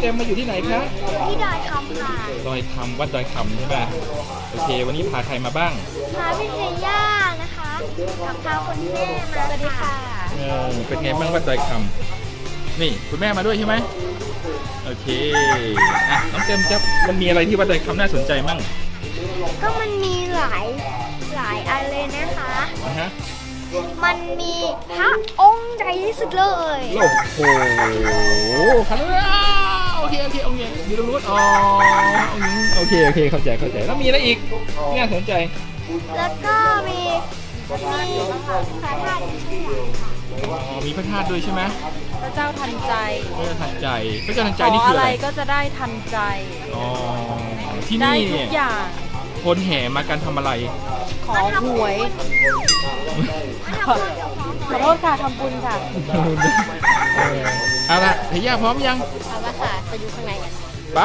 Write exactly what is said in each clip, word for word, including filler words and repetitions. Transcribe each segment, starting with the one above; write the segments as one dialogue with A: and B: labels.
A: เต็มมาอยู่ที่ไหนคะ
B: ที่ดอยคำค่ะ
A: ดอยคำวัดดอยคำใช่ป่ะโอเควันนี้พาใครมาบ้าง
B: พาพี่เทย่านะคะกับพาคุณแม่มาสวัสดีค่ะ
A: เออเป็นไงบ้างวัดดอยคำนี่คุณแม่มาด้วยใช่ไหมโอเคอ่ะน้องเต็มครับมันมีอะไรที่วัดดอยคำน่าสนใจมั่ง
B: ก็มันมีหลายหลายอันเลยนะคะ
A: นะฮะ
B: มันมีพระองค์ใหญ่ที่สุดเลย
A: โอ้โหคันแล้วโอเคโอเคโอเคอยู่ตรงนู้นอ๋อโอเคโอเคเข้าใจเข้าใจแล้วมีอะไรอีกน่าสนใจ
B: แล้วก็มีมีพระธาตุชื่อใหญ่ค่ะ
A: อ๋อมีพระธาตุด้วยใช่ไหม
C: พระเจ้าทันใจ
A: พระเจ้าทันใจพระเจ้าทันใจ
C: ขอ
A: นี่คือ
C: อะ
A: อะไร ไร
C: ก็จะได้ทันใจ
A: อ๋อที่
C: ได้
A: นี่
C: ทุ
A: เนี่ย
C: กอย่าง
A: คนแห่มากันทำอะไร
C: ขอหวยขอขอโทษค่ะทำบุญค่ะ
A: เออเอาละเฮียพร้อมยัง
B: เอาละค่ะไปดูข้างในกัน
A: ไป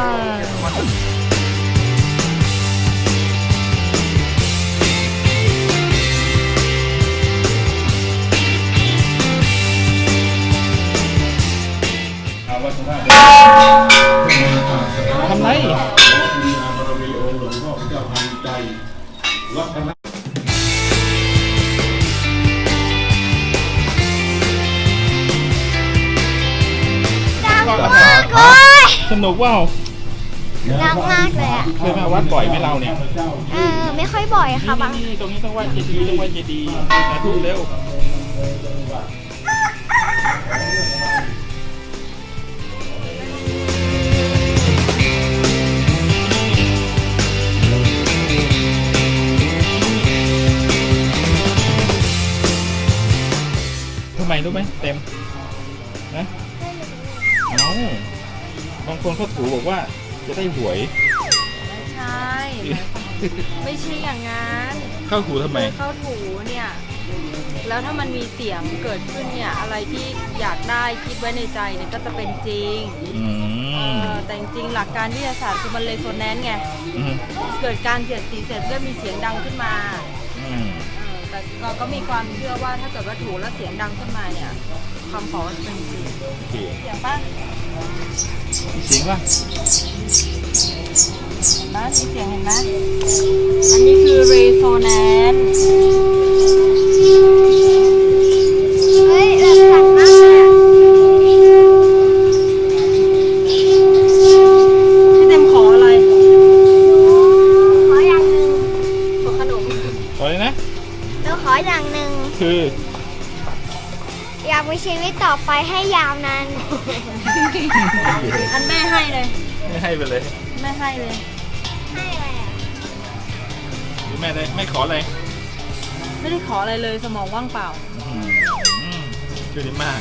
A: ทำไร
B: ดังมากเลย
A: สนุกว่าว
B: ดังมากเลยอ่ะ
A: เคยมาวัดบ่อยไหมเราเนี่ย
B: เออไม่ค่อยบ่อยค่ะบาง
A: นี่นี่ตรงนี้ต้องไหว้เจดีย์ต้องไหว้เจดีย์สาธุเร็วทำไมรู้ไหมเต็มนะเอาบางคนเขาถูบอกว่าจะได้หวย
C: ไม่ใช่ ไม่ใช่อย่างนั้น
A: เข้าถูทำไม
C: เข้าถูเนี่ย แล้วถ้ามันมีเสียงเกิดขึ้นเนี่ย อะไรที่อยากได้คิดไว้ในใจเนี่ยก็จะเป็นจริง
A: อื
C: เอ
A: ม
C: อแต่จริงๆหลักการวิทยาศาสตร์คือมันเลยโซแนนซ์ไง
A: อืม
C: เกิดการเสียดสีเสร็จเริ่มมีเสียงดังขึ้นมา
A: อืม
C: เออแต่เราก็มีความเชื่อว่าถ้าเกิดว่าถูกแล้วเสียงดังขึ้นมาเนี่ยคำขอจะเป็นจริง
A: โอเค
C: เสียงป่ะ
A: เสียงว่า
C: เห็นไหมมีเสียงเห็นไหมอันนี้คือ resonance
B: เฮ้ยแบบสั่นมากเลยอะ
C: พี่เต็มขออะไร
B: ขออย่างหนึ่ง
C: ขอขนม
A: ขอเลยนะ
B: หนูขออย่างหนึ่ง
A: คือ
B: อยากมีชีวิตต่อไปให้ยาวนาน
C: อันแม่ให้เลย
A: ไม่ให้ไปเลย
C: แม่ให้เลย
B: ให้อะไรอ่ะ
A: หรือแม่ได้ไม่ขออะไร
C: ไม่ได้ขออะไรเลยสมองว่างเปล่า
A: อืมอืมช่วยได้มาก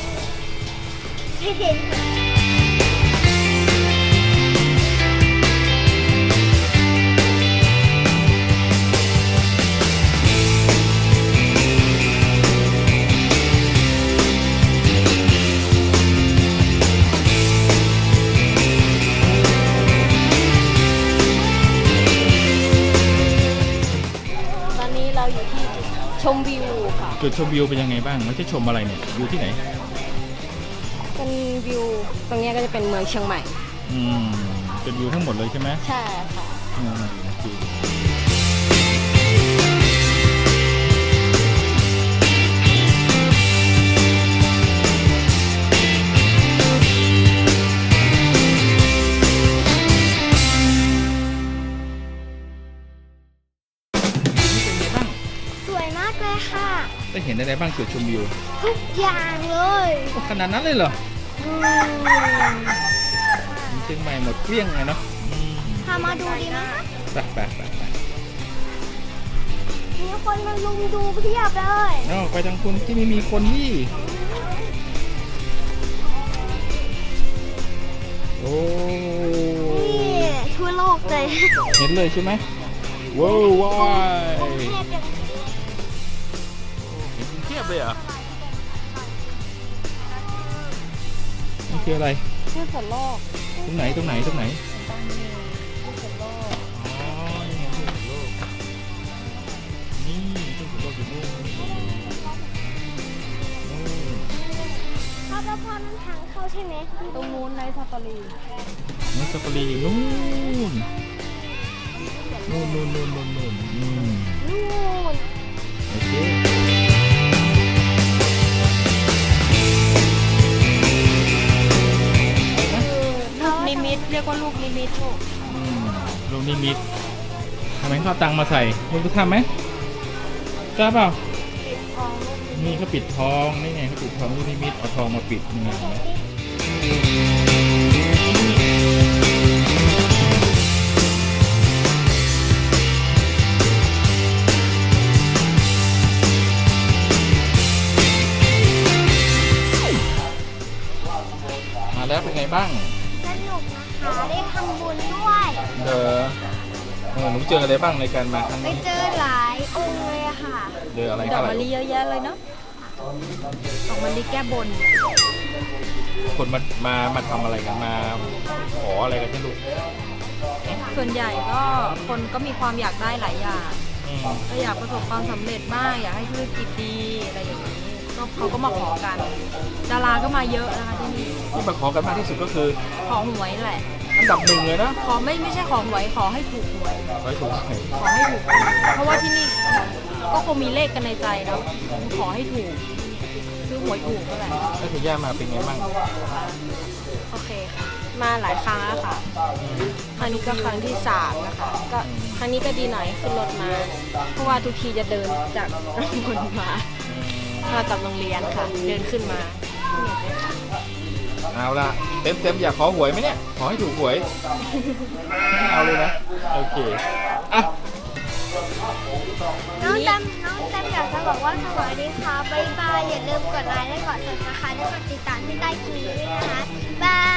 C: ตอนนี้เราอยู่ที่ชมวิวค่ะ
A: จุดชมวิวเป็นยังไงบ้างไม่ใช่ชมอะไรเนี่ยอยู่ที่ไหน
C: เป็นวิวตรงนี้ก็จะเป็นเมืองเชียงใหม่
A: อืมเป็นวิวทั้งหมดเลยใช่ไหม
C: ใช่ค่ะ
A: อืมโอเคนี่เป็นไงบ้าง
B: สวยมากเลยค่ะ
A: ได้เห็นอะไรบ้างจุดชมวิว
B: ทุกอย่างเลย
A: โอ้ขนาดนั้นเลยเหรอ
B: อืม
A: เชียงใหม่หมดเกลี้ยงไงเนาะอืม
B: พามาดูดีไหมคะ
A: ไปไปไปไป
B: มีคนมาลุมดูเพียบเลย
A: นอกไปทางคุณที่ไม่มีคนนี่โอ้
B: นี่ทั่วโลกเลย
A: เห็นเลยใช่ไหมว้าวว้าว
B: เทียบกัน
A: เห็นกรุงเทียบเลยเหรอนี่คืออะไร
C: ชื่อส่วนโลก
A: ตรงไหนตรงไหนตรงไหน
C: ตั้งนี้ชื่อส่วนโลก
A: อ๋อนี่ไงที่สุดโลกนี่ที่สุดโลกอยู่นู่นนู่น
B: ถ้าแล้วพ่อนั่นทางเข้าใช่ไหม
C: ตรงนู้นในซาฟารี
A: นี่ซาฟารีอยู่นู่นนู่นนู่นนู่นนู่นนู่นอืม
B: นู่น
A: โอเค
C: ลูกนิมิตเรียกว่าลูกนิมิตลูก
A: อืมลูกนิมิตทำไมเขาเอาตังค์มาใส่มึงจะทำไหมกล้าเปล่า
B: ทองลูก
A: นี่เขาปิดทองนี่ไงเขาปิดทองลูกนิมิตเอาทองมาปิดนี่ไงเห็นไหมมาแล้วเป็นไงบ้าง
B: สนุกนะคะได้ทำบุญด้วย
A: เออเออหนูเจออะไรบ้างในการมาครั้ง
B: ไป
A: นี้
B: เจอหลายองค์เลยอะค่ะ
A: เจออะไร
C: ดอก
A: อะไร
C: มะลิเยอะแยะเลยเนาะดอกมะลิแก้บน
A: คนมามามาทำอะไรกันมาขออะไรกันใช่ลูก
C: ส่วนใหญ่ก็คนก็มีความอยากได้หลายอย่าง
A: อืม
C: ก็อยากประสบความสำเร็จบ้างอยากให้ธุรกิจดีอะไรอย่างนี้ก็เขาก็มาขอกัน ดาราก็มาเยอะนะคะที่นี่
A: ที่มาขอกันมากที่สุดก็คือ
C: ขอหวยแหละ
A: อันดับหนึ่งเลยนะ
C: ขอไม่ไม่ใช่ขอหวยขอให้ถูกหวย
A: ไว้ถูกไหม
C: ขอให้ถูก เพราะว่าที่นี่ก็คงมีเลขกันในใจเนาะขอให้ถูกซื้อหวยถูกก็แหละ
A: แล้วคุณย่ามาเป็นไงบ้าง
C: โอเคค่ะ มาหลายครั้งแล้วค่ะ ครั้งนี้ก็ครั้งที่สามนะคะ ก็ครั้งนี้ก็ดีหน่อยขึ้นรถมา เพราะว่าทุกทีจะเดินจากบนมา มากับโรงเรียนค่ะ เดินขึ้นมา
A: เอาละเต็มเต็มอยากขอหวยไหมเนี่ย ขอให้ถูกหวยไม่เอาเลยนะ โอเค อ่ะ
B: น้องแตมน้องแตมอยากจะบอกว่าสวัสดีค่ะบ๊ายบายอย่าลืมกดไลค์และกด ซับสไครบ์ และกดติดตามที่ใต้คลิปนี้ด้วยนะคะบาย